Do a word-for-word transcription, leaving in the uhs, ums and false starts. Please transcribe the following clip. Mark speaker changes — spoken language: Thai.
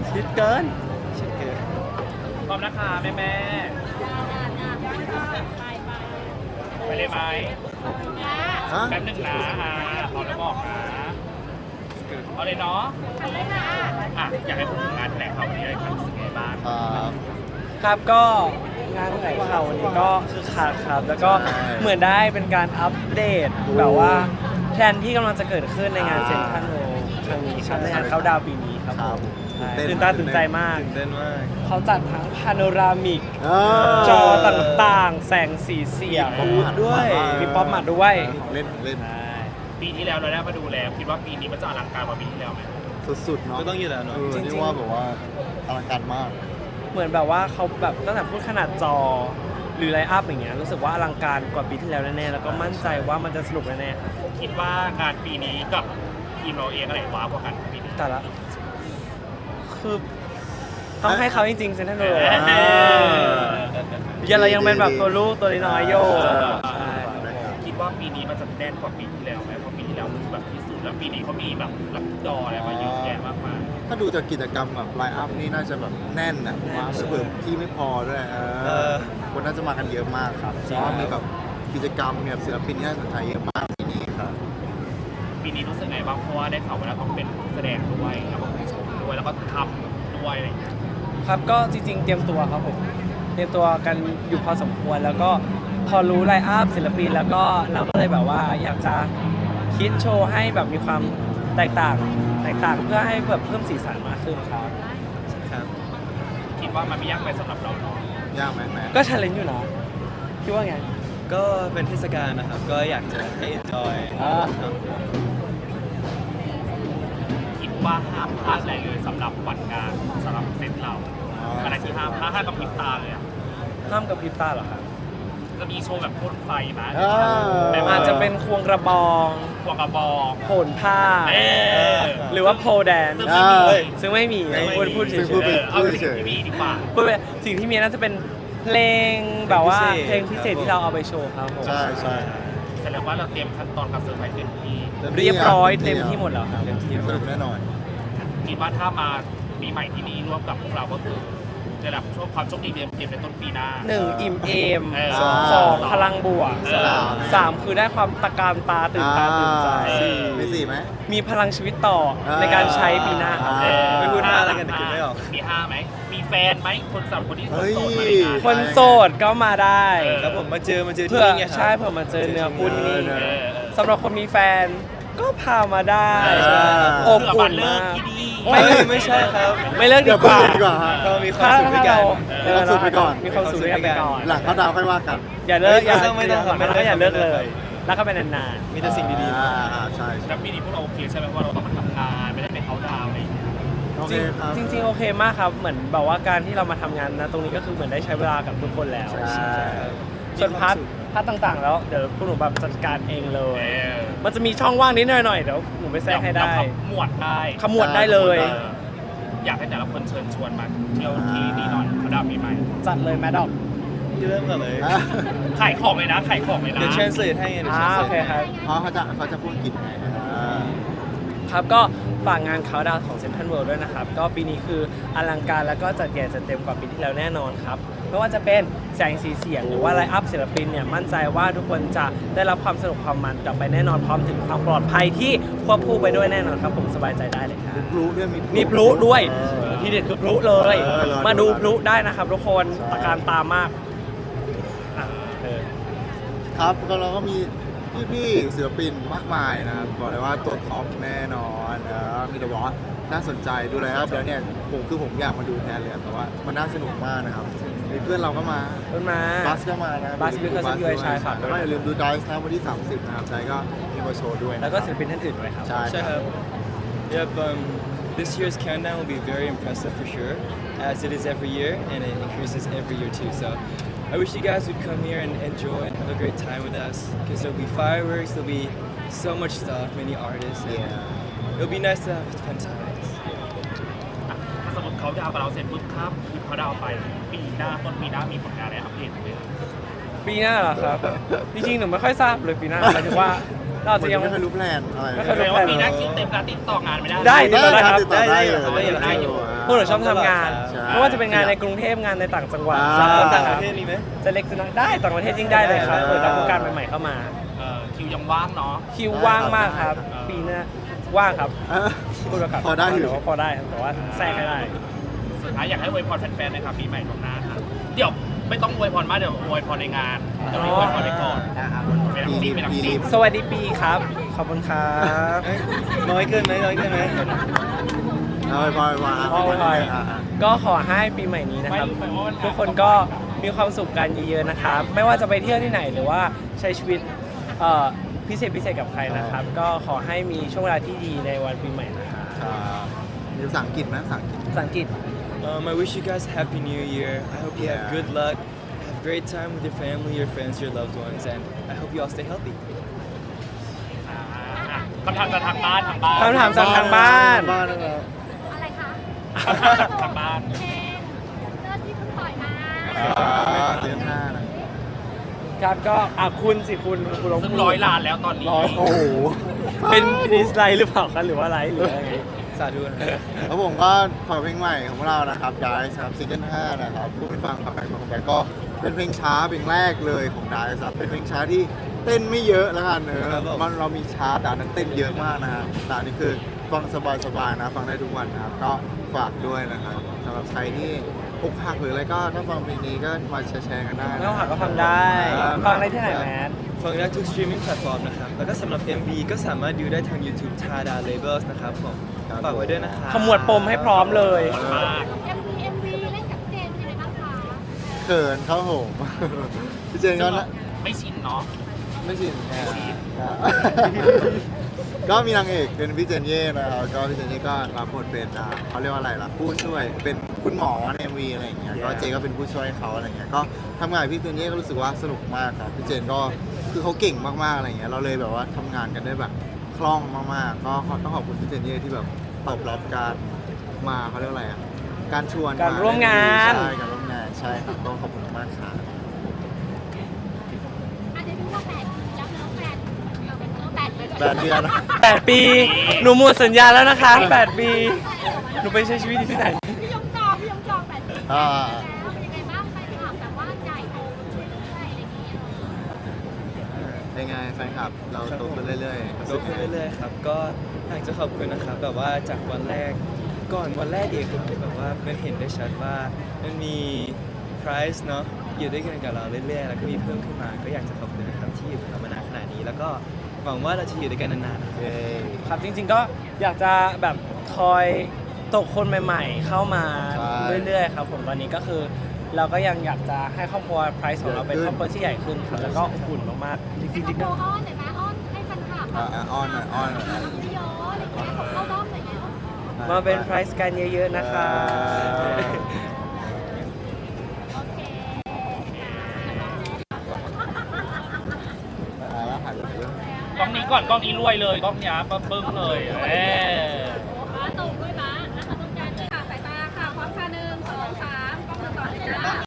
Speaker 1: ชิดเกิน
Speaker 2: ชิคเก้น
Speaker 3: พร้อมนะคะแม่แม่ไปเลยไหม
Speaker 1: ฮะ
Speaker 3: แป๊บหนึ่งนะอ่าพร้อมแล้วบอกนะเอาเลยเนาะอ่ะอยากให้พูดถึงงานแถลงข่าววันนี้เลยครับรู้สึกไงบ้าง
Speaker 1: ครับ
Speaker 2: ครับก็งานแถลงข่าววันนี้ก็คือขาดครับ แล้วก็
Speaker 1: ใช่
Speaker 2: เหมือนได้เป็นการอัปเดตแบบว่าแพลนที่กำลังจะเกิดขึ้นในงานเซ็นทรัลเวิลด์ครั้งนี้ครับในงานเขาดาวน์ปีนี้ครับ
Speaker 1: ครับ
Speaker 2: ใช่
Speaker 1: ตื่
Speaker 2: ตื่
Speaker 1: น
Speaker 2: น
Speaker 1: เต้
Speaker 2: ตาน ตื่นใจมาก
Speaker 4: ตื่นเต้นมาก
Speaker 2: เขาจัดทั้งพาโนรามิก
Speaker 1: เอ
Speaker 2: จอต่างๆ แสงสีเสียง
Speaker 1: มีป๊อปมาด้วย
Speaker 2: มีป๊อปมาด้วย
Speaker 1: เล่นเล่น
Speaker 2: ใช่
Speaker 3: ปีที่แล้วเราได้มาดูแล้วคิดว่าปีนี้มันจะอลังการกว่าปีที่แล้วไหม
Speaker 1: สุดๆเนาะ
Speaker 4: ก็ต้องอยู่แล้วเนอะ
Speaker 1: เออ
Speaker 2: จริงๆ
Speaker 1: นี่ว่าแบบว่าอลังการมาก
Speaker 2: เหมือนแบบว่าเขาแบบตั้งแต่พูดขนาดจอหรือไลฟ์อัพอย่างเงี้ยรู้สึกว่าอลังการกว่าปีที่แล้วแน่ๆแล้วก็มั่นใจว่ามันจะสนุกแน่
Speaker 3: คิดว่างานปีนี้กับทีมเราเองอะไรว้าวกว่ากันปีนี้
Speaker 2: ๆแต่ละคือต้องให้เขาจริงๆเซนทรัลเวิลด์
Speaker 3: เออ
Speaker 2: ยังเรายังเป็นแบบตัวลูกตัวน้อยๆอยู่ใช่
Speaker 3: คิดว่าปีนี้มันจะแน่นกว่าปีที่แล้วไหมเพราะปีที่แล้วมันแบบที่สุดแล้วปีนี้เขามีแบบรับจออะไรมาเยอะแยะมากมาย
Speaker 1: ถ้าดูจากกิจกรรมแบบไลน์อัพนี่น่าจะแบบแน่นนะว่าเผื่อที่ไม่พอด้วยเอ
Speaker 4: เอ
Speaker 1: อ
Speaker 4: อ
Speaker 1: คนน่าจะมากันเยอะมากครับเพราะว่ามีแบบกิจกรรมมีแบบศิลปินที่น่าสนใจเยอะมากที่นี่ครับ
Speaker 3: ปีนี้รู้สึกไงบ้างเพราะว่าได้ข่าวว่าเราต้องเป็นแสดงด้วยแล้วก็ผู้ชมด้วยแล้วก็ทำด้วยอะไรอย่างเงี้ย
Speaker 2: ครับก็จริงๆเตรียมตัวครับผมเตรียมตัวกันอยู่พอสมควรแล้วก็พอรู้ไลน์อัพศิลปินแล้วก็เราก็เลยแบบว่าอยากจะคิดโชว์ให้แบบมีความแตกต่างแตกต่างเพื่อให้แบบเพิ่มสีสันมากขึ้นครับ
Speaker 4: ครับ
Speaker 3: คิดว่ามันไม่ยากไปสำหรับเราเนาะ
Speaker 1: ยากไหมแม่
Speaker 2: ก็ชาเลนจ์อยู่นะคิดว่าไง
Speaker 4: ก็เป็นเทศกาลนะครับ ก็อยากจะให้ enjoy
Speaker 2: อ่า
Speaker 4: ครับ
Speaker 3: คิดว่าห้ามพลาดอะไรเลยสำหรับวันงานสำหรับเซตเราอะไรที่ห้ามพลาดห้ามกับพริบตาเลยอะ
Speaker 2: ห้ามกับพริบตาเหรอครับ
Speaker 3: จะมีโชว์แบบพ่นไฟไหม
Speaker 1: เออ
Speaker 3: แบบ
Speaker 2: อาจจะเป็นควงกระบอง
Speaker 3: ควงกระบอก
Speaker 2: โผนผ้า
Speaker 3: เออ
Speaker 2: หรือว่าโพแดน
Speaker 3: ซึ่งไม่มี
Speaker 1: เฮ้ย
Speaker 2: ซึ่งไม่มี
Speaker 3: ซึ่งไม่
Speaker 2: พูด
Speaker 3: มี
Speaker 2: พูดเฉ
Speaker 1: ซึ่งพูด
Speaker 2: ย
Speaker 3: เอ
Speaker 1: ไป
Speaker 3: อเอาสิ่งที่มีดีกว่า
Speaker 2: ๆพูดไปสิ่งที่มีน่าจะเป็นเพลงแบบว่าเพลงพิเศษที่เราเอาไปโชว์ครับผม
Speaker 1: ใช่ใช่
Speaker 3: แสดงว่าเราเตรียมขั้นตอนการเซอร์ไพรส์เต็มที่
Speaker 2: เรียบร้อยเต็มที่หมดแล้วครับ
Speaker 1: สนุกแน่นอน
Speaker 3: คิดว่าถ้ามาปีใหม่ที่นี่ร่วมกับพวกเราก็คือได้รับช่วงความโชคดีเต็มเต็มในต้นปีหน้า
Speaker 2: หนึ่งอิ่มเอม
Speaker 3: เออ
Speaker 2: สองพลังบวก
Speaker 3: เออ
Speaker 2: สามคือได้ความตะการตาตื่นตาตื่นใจ
Speaker 1: อ่าสี่มีสี่ไหม
Speaker 2: มีพลังชีวิตต่อในการใช้ปีหน้าครับ
Speaker 1: อ่า
Speaker 4: ไม่พูดห้าแล้วกันแต่คิดไม่ออก
Speaker 3: มีห้าไหม มีแฟนไหม คนสำหรับคนที่
Speaker 1: เฮ้ย
Speaker 3: โสดมาในงาน
Speaker 2: คนโสดก็มาได้
Speaker 3: เออ
Speaker 4: ครับผมมาเจอมาเจอที่
Speaker 2: เพื่อ
Speaker 4: นี่ไงครับ
Speaker 2: ใช่เพื่อมาเจอเนื้อคู่ที่นี่
Speaker 1: เออ
Speaker 3: เออ
Speaker 2: สำหรับคนมีแฟนก็พามาได้
Speaker 3: เออ
Speaker 2: อบ
Speaker 3: เพื่อ
Speaker 2: อุ่
Speaker 3: มาน เลิ
Speaker 2: มาก ก
Speaker 3: ที่นี่
Speaker 2: ไม่
Speaker 4: เฮ้ยไม่ใช่ครับ
Speaker 2: ไม่เลิก
Speaker 1: เดี๋
Speaker 2: ดี
Speaker 1: ยว
Speaker 2: กว่า
Speaker 1: พูดดีกว่าฮะ
Speaker 4: เรามีความสุขด้วยกัน
Speaker 2: เออ
Speaker 1: มีความสุขไปก่อน
Speaker 2: มีความสุขด้วยกันไปก่อน
Speaker 1: หลังเขาดาวค่อยว่ากัน
Speaker 2: อย่าเลิกอย่า
Speaker 4: ไม่ต้องไม่ต้องครับ
Speaker 2: แล้วก็อย่าเลิกเลยแล้วก็เป็นนาน
Speaker 4: มีแต่สิ่งดี
Speaker 1: อ่าอ่าใช่
Speaker 3: แล้วปีนี้พวกเราโอเคใช่ไหมว่าเราต้องมาทำงานไม่ได้ไปเขาน์ดาวน์อะไรอย่างเงี้ย
Speaker 1: โอ
Speaker 2: ๆ
Speaker 1: เคครับ
Speaker 2: จริงจริงๆโอเคมากครับเหมือนแบบว่าการที่เรามาทำงานนะตรงนี้ก็คือเหมือนได้ใช้เวลากับทุกคนแล้ว
Speaker 1: ใช่
Speaker 2: ส่วนพาร์ทพาร์ทต่างๆ แล้วเดี๋ยวพวกหนูแบบจัดการเองเลย
Speaker 3: เออ
Speaker 2: มันจะมีช่องว่างนิดหน่อยๆเดี๋ยวหนูไปแทรกให้ได้
Speaker 3: เราขมวดได้
Speaker 2: ขมวดได้เลย
Speaker 3: เอออยากให้แต่ละคนเชิญชวนมาเที่ยวที่นี่หน่อยเขาน์ดาวน์ปีใหม่
Speaker 2: จัดเลยแมดดอก
Speaker 4: ๆที่เริ่มก่อนเลย
Speaker 1: อ่ะ
Speaker 3: ขายของเลยนะขายของเลยนะ
Speaker 4: เดี๋ยว translate ให้ไงเดี๋ยว
Speaker 2: อ่า
Speaker 4: translate
Speaker 2: โอเคครับ
Speaker 1: เพราะเขาจะเขาจะพูดอังกฤษไงอ่า
Speaker 2: ครับก็ฝากงานเขาดาวของเซ็นทรัลเวิลด์ด้วยนะครับ ก็ปีนี้คืออลังการแล้วก็จัดใหญ่จัดเต็มกว่าปีที่แล้วแน่นอนครับ ไม่ว่าจะเป็นแสงสีเสียงหรือว่าไลฟ์อัพศิลปินเนี่ยมั่นใจว่าทุกคนจะได้รับความสนุกความมันกลับไปแน่นอนพร้อมถึงความปลอดภัยที่ควบคู่ไปด้วยแน่นอนครับผมสบายใจได้เลยครับ
Speaker 1: พลุด้วยมี
Speaker 2: มีพลุด้วย
Speaker 1: เออ
Speaker 2: ที่เด็ดคือพลุเลย
Speaker 1: เออรอดู
Speaker 2: มาดูพลุได้นะครับทุกคน
Speaker 1: ใช่
Speaker 2: ตะการตามากอ่ะเออ
Speaker 1: ครับก็เราก็มีพี่ๆศิลปินมากมายนะครับบอกเลยว่าตัวท็อปแน่นอนนะมีแต่บอกว่าน่าสนใจดูเลยครับแล้วเนี่ยผมคือผมอยากมาดูแทนเลยแต่ว่ามันน่าสนุกมากนะครับมีเพื่อนเราก็มา
Speaker 2: ต้นมา
Speaker 1: บัสก็มานะ
Speaker 2: บัส Because of You
Speaker 1: ด้วย
Speaker 2: ใช่ครับ
Speaker 1: แล้วก็อย่าลืมดูไดส์นะวันที่ สามสิบนะครับไดส์ก็มีมาโชว์ด้วยนะ
Speaker 2: แล้วก็ศิลปินท่านอื่นด้วยครับ
Speaker 1: ใช่
Speaker 4: ใช่ครับ Yep um this year's countdown will be very impressive for sure as it is every year and it increases every year too so I wish you guys would come here and enjoy and have a great time with us because there'll be fireworks there'll be so much stuff many artists and
Speaker 1: Yeah.
Speaker 4: it'll be nice to have fun times
Speaker 3: อ่ะถ้าสมมติเขาดาวน์กับเราเสร็จปุ๊บครับคือเขาดาวน์ไปปีหน้าต้นปีหน้ามีผลงานอะไรอัปเดตไหม
Speaker 2: ปีหน้าเหรอครับ จริงๆ หนูไม่ค่อยทราบเลยปีหน้าหมายถึงว่าเราอาจจะยัง
Speaker 1: ไม่เคยรู้แพลนอะไร
Speaker 2: ไม่เคย
Speaker 3: แสดงว่าปีหน้าคิวเต็มแล้วติดต่องานไม่ได้
Speaker 2: ได้
Speaker 1: ได้
Speaker 2: ได้
Speaker 1: ค
Speaker 2: ครั
Speaker 1: รับบ ติดต่อได้อยู่
Speaker 4: ได้อยู่ได้อยู่
Speaker 2: พวกเราชอบทำงาน
Speaker 1: ใช่
Speaker 2: ไม่ว่าจะเป็นงานในกรุงเทพงานในต่างจังหวัด
Speaker 1: อ่า
Speaker 2: ครับ
Speaker 4: คนต่างประเทศมีไหม
Speaker 2: จะเล็กจะน้อยได้ต่างประเทศยิ่งได้เลยครับ
Speaker 1: อ่า
Speaker 2: เปิดรับโอกาสใหม่ๆเข้ามา
Speaker 3: เออคิวยังว่างเนาะ
Speaker 2: คิวว่างมากครับ
Speaker 3: ได้ครับ
Speaker 2: ปีหน้าว่างครับ
Speaker 1: เออ
Speaker 2: พูดประกาศ
Speaker 1: พอได้อยู่
Speaker 2: แต่ว่าพอได้ครับแต่ว่าแทรกให้ได้
Speaker 3: สุดท้ายอยากให้อวยพรแฟนๆนะครับปีใหม่ล่วงหน้าครับเดี๋ยวไม่ต้องอวยพรมากเดี๋ยวอวยพรในงานเดี๋ยวมีอวยพรไปก่อนเป็นน้ำจิ้มเป็นน้ำจิ้ม
Speaker 2: สวัสดีปีครับ ขอบคุณครับ
Speaker 4: เอ้ยน้อยเกินไหมน้อยเกินไหม
Speaker 1: เอาไปพอไปพอ
Speaker 2: ขอบคุณครับ
Speaker 1: อ่ะอ่ะ
Speaker 2: ก็ขอให้ปีใหม่นี้นะครับ ทุกคนก็มีความสุขกันเยอะๆนะครับ ไม่ว่าจะไปเที่ยวที่ไหนหรือว่าใช้ชีวิตเอ่อพิเศษพิเศษกับใครนะครับ ก็ขอให้มีช่วงเวลาที่ดีในวันปีใหม่นะครับ
Speaker 1: ครับมีภาษาอังกฤษไหมภาษาอังกฤษ
Speaker 2: ภาษาอังกฤษ
Speaker 4: Um, I wish you guys a happy new year. I hope you
Speaker 1: Yeah.
Speaker 4: have good luck, have a great time with your family, your friends, your loved ones, and I hope you all stay healthy.
Speaker 3: อ่าอ่ะคำถามจากทางบ้านทางบ้าน
Speaker 2: คำถามจากทางบ้าน
Speaker 1: บ้านนะครับ
Speaker 5: อะไรคะ
Speaker 3: คำถามจากทางบ้าน
Speaker 5: เพลงเลือดที่เพิ่งปล่อยมา
Speaker 1: อ่าเดือนห้านะ
Speaker 2: ครับก็อ่ะคุณสิคุณคุณลอง
Speaker 3: ซึ่งร้อยล้านแล้วตอนนี้
Speaker 2: ร้อย
Speaker 1: โอ้โห
Speaker 2: เป็นดิสไลด์หรือเปล่าครับหรือว่าไลฟ์หรืออะไร
Speaker 4: สาธุนะครับ
Speaker 1: แล้วผมก็ฝากเพลงใหม่ของพวกเรานะครับดายครับซิงเกิลห้านะครับผู้ไปฟังครับแบงค์ของแบงค์ก็เป็นเพลงช้าเพลงแรกเลยของดายครับเป็นเพลงช้าที่เต้นไม่เยอะแล้วกันเน
Speaker 4: ครั
Speaker 1: อะ
Speaker 4: บผม
Speaker 1: มันเรามีชาร์ตแต่นั้นเต้นเยอะมากนะฮะแต่อันนี้คือฟังสบายๆนะฟังได้ทุกวันนะครับก็ฝากด้วยนะครับสำหรับใครที่อกหักหรืออะไรก็ถ้าฟังเพลงนี้ก็มาแชร์ๆกันได้
Speaker 2: ไม่
Speaker 1: นะ
Speaker 2: ต้องหักก็ฟังได้ ฟังได้ที่ไหนแมท
Speaker 4: ฟังได้ทุก streaming platform นะครับ แล้วก็สำหรับ เอ็ม วี ก็สามารถดูได้ทาง YouTube Tada Labels นะครับผมฝากไว้ด้วยนะครับ
Speaker 2: ขมวดปมให้พร้อมเลย
Speaker 3: มาก
Speaker 5: เอ็มวีเอ็มวีเล่นกับเจนยังไงบ้างคะ
Speaker 1: เขินเขาผม พี่เจนก็นะ
Speaker 3: ไม่ชินเนาะ
Speaker 1: ไม่ชินก็มีนางเอกเป็นพี่เจนเย่นะครับก็พี่เจนเย่ก็รับบทเป็นอ่าเขาเรียกว่าอะไรล่ะผู้ช่วยเป็นคุณหมอในเอ็มวีอะไรอย่างเงี้ยก็เจก็เป็นผู้ช่วยเขาอะไรเงี้ยก็ทำงานกับพี่เจนเย่ก็รู้สึกว่าสนุกมากครับพี่เจนก็คือเขาเก่งมากๆอะไรเงี้ยเราเลยแบบว่าทำงานกันได้แบบคล่องมากๆก็ต้องขอบคุณพี่เจนเย่ที่แบบตอบรับการมาเขาเรียกว่าอะไรอ่ะการชวน
Speaker 2: การร่วมงาน
Speaker 1: ใช่การร่วมงานใช่ครับก็ขอบคุณมากครับ
Speaker 5: อาจจะดูว่าแปดแล้วเนื้อแปดเออเป็นเนื้อแปดเลย
Speaker 1: แปดเดือนนะ
Speaker 2: แปดปี หนูหมดสัญญาแล้วนะคะแปดปี หนูไปใช้ชีวิตอยู่ที่ไหน
Speaker 5: พี่ยงจองพี่ยงจองแปดปี
Speaker 1: อ่า
Speaker 5: แล้วเป็นยังไงบ้างแฟนคลับแบบว่าใหญ่โตขึ้นเรื่อยๆอะไรอย่างเงี้ย
Speaker 1: เป็นไงแฟนคลับเราโตขึ้นเรื่อยๆ
Speaker 4: โตขึ้นเรื่อยๆครับ ก็อยากจะขอบคุณนะครับ แบบว่าจากวันแรก ก่อนวันแรกเองครับแบบว่ามันเห็นได้ชัดว่ามันมี prize เนาะอยู่ด้วยกันกับเราเรื่อยๆ แล้วก็มีเพิ่มขึ้นมา ก็อยากจะขอบคุณนะครับที่อยู่กับเรามานานขนาดนี้ แล้วก็หวังว่าเราจะอยู่ด้วยกันนานๆนะครับ
Speaker 1: เย้
Speaker 2: ครับจริงๆก็อยากจะแบบคอยตกคนใหม่ๆ เข้ามาเรื่อยๆครับผมตอนนี้ก็คือ เราก็ยังอยากจะให้ครอบครัวไพรส์ของเราเป็นครอบครัวที่ใหญ่ขึ้นครับแล้วก็อบอุ่นมากๆจ
Speaker 5: ให้
Speaker 2: ริง
Speaker 5: โม
Speaker 2: ๆก็
Speaker 5: อ้อนหน่อยไหมอ้อนให้แฟนคลับ
Speaker 1: อ่ะอ่ะอ้อนหน่อยอ้อนหน่อย
Speaker 5: พี่โยอะไรอย่างเงี้ยผมเข้าด้อมหน่อยแล้ว
Speaker 2: มาเป็นไพรส์กันเยอะๆนะคะ
Speaker 5: โอเค
Speaker 1: อ่ะแล้วหันไปเรื่อง
Speaker 3: กล้องนี้ก่อนกล้องนี้รวยเลยกล้องนี้ปะปึ้งเลยเออ